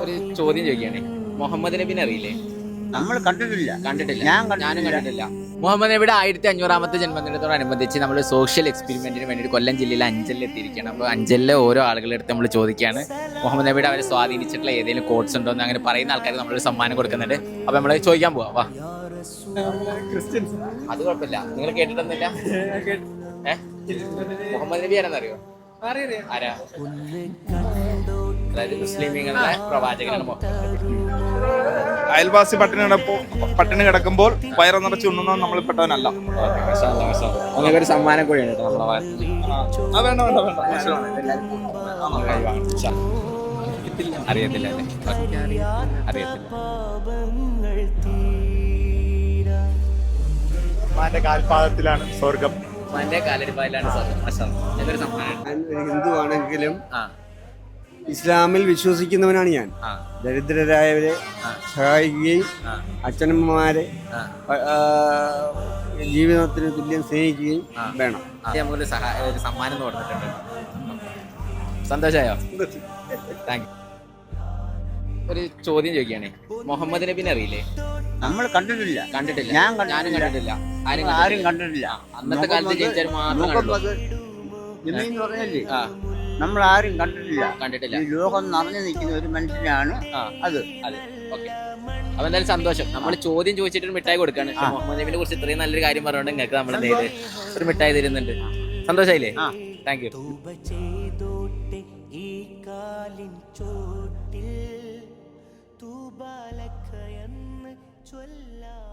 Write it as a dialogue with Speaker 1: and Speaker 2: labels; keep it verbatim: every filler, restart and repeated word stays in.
Speaker 1: ഒരു ചോദ്യം ചോദിക്കുകയാണേ, മുഹമ്മദ് നബിനെ അറിയില്ലേ?
Speaker 2: നമ്മൾ കണ്ടിട്ടില്ല.
Speaker 1: കണ്ടിട്ടില്ല.
Speaker 2: ഞാൻ
Speaker 1: ഞാനും കണ്ടിട്ടില്ല. മുഹമ്മദ് നബിയുടെ ആയിരത്തി അഞ്ഞൂറാമത്തെ ജന്മദിനത്തോടനുബന്ധിച്ച് നമ്മൾ സോഷ്യൽ എക്സ്പെരിമെന്റിന് വേണ്ടി കൊല്ലം ജില്ലയിലെ അഞ്ചലിൽ എത്തിയിരിക്കുകയാണ്. അപ്പോൾ അഞ്ചലിലെ ഓരോ ആളുകളുടെ അടുത്ത് നമ്മൾ ചോദിക്കുകയാണ് മുഹമ്മദ് നബിയുടെ അവരെ സ്വാധീനിച്ചിട്ടുള്ള ഏതെങ്കിലും കോട്സ് ഉണ്ടോ എന്ന്. അങ്ങനെ പറയുന്ന ആൾക്കാർക്ക് നമ്മളൊരു സമ്മാനം കൊടുക്കുന്നുണ്ട്. അപ്പോൾ നമ്മൾ ചോദിക്കാൻ പോവാം. വാ.
Speaker 3: ക്രിസ്ത്യൻസ്.
Speaker 1: അത് കുഴപ്പമില്ല. നിങ്ങൾ കേട്ടിട്ടൊന്നുമില്ല? ഏഹ് മുഹമ്മദ് നബി ആരെന്നറിയോ? ആരാ? അതായത് മുസ്ലിമീങ്ങളുടെ പ്രവാചകനാണ് മുഹമ്മദ് നബി.
Speaker 3: അയൽവാസി പട്ടിണി കിടപ്പോ പട്ടിണി കിടക്കുമ്പോൾ വയറ് നിറച്ച് ഉണ്ണുന്ന നമ്മൾ പെട്ടവനല്ല.
Speaker 1: അങ്ങനെ ഒരു സമ്മാനം കൂടിയാണ് കേട്ടോ നമ്മളെ ഭാഗത്ത്.
Speaker 3: ആ വേണ്ട വേണ്ട വേണ്ട.
Speaker 1: അറിയത്തില്ല അല്ലേ? അറിയത്തില്ല.
Speaker 3: ഉമ്മാന്റെ കാൽപാദത്തിലാണ് സ്വർഗം.
Speaker 1: ഉമ്മാന്റെ കാലടിപ്പായിലാണ് സ്വർഗം. എന്നൊരു സമ്മാനം.
Speaker 2: ഒരു ഹിന്ദുവാണെങ്കിലും
Speaker 1: ആ
Speaker 2: ഇസ്ലാമിൽ വിശ്വസിക്കുന്നവനാണ് ഞാൻ.
Speaker 1: ആ
Speaker 2: ദരിദ്രരായവരെ സഹായിക്കുകയും
Speaker 1: ആ
Speaker 2: അച്ഛനമ്മമാരെ
Speaker 1: ആ
Speaker 2: ആ, ജീവിതത്തിന് തുല്യം സ്നേഹിക്കുകയും
Speaker 1: ആ.
Speaker 2: വേണം.
Speaker 1: അത് നമുക്കൊരു സഹായ ഒരു സമ്മാനം എന്ന് കൊടുത്തിട്ടുണ്ട്. സന്തോഷമായോ? Thank you. ഒരു ചോദ്യം ചോദിക്കുകയാണേ, മുഹമ്മദ് നബിനെ അറിയില്ലേ?
Speaker 2: നമ്മൾ കണ്ടിട്ടില്ല.
Speaker 1: കണ്ടിട്ടില്ല.
Speaker 2: ഞാൻ
Speaker 1: ഞാനും കണ്ടിട്ടില്ല. ആരും
Speaker 2: ആരും
Speaker 1: കണ്ടിട്ടില്ല.
Speaker 2: കണ്ടിട്ടില്ല.
Speaker 1: അന്നത്തെ കാലത്ത് ജനിച്ചവർ മാത്രം കണ്ടു.
Speaker 2: എന്ന് പറഞ്ഞല്ലേ,
Speaker 1: ആ
Speaker 2: നമ്മൾ ആരും കണ്ടിട്ടില്ല.
Speaker 1: കണ്ടിട്ടില്ല.
Speaker 2: ഈ ലോകം നിറഞ്ഞു നിൽക്കുന്ന ഒരു മനുഷ്യനാണ്
Speaker 1: ആ
Speaker 2: അത്.
Speaker 1: അതെ. ഓക്കെ. അപ്പൊ എന്തായാലും സന്തോഷം. നമ്മൾ ചോദ്യം ചോദിച്ചിട്ട് ഒരു മിഠായി കൊടുക്കാണ്. പക്ഷെ മുഹമ്മദ് നബിനെ കുറിച്ച് ഇത്രയും നല്ലൊരു കാര്യം പറഞ്ഞുകൊണ്ട് നിങ്ങൾക്ക് നമ്മൾ എന്ത് ചെയ്ത് ഒരു മിഠായി തരുന്നുണ്ട്. സന്തോഷായില്ലേ? Thank you.
Speaker 4: ഈ കാലിൻ ചോട്ടിൽ തൂബാലക്കയെന്ന് ചൊല്ലാം.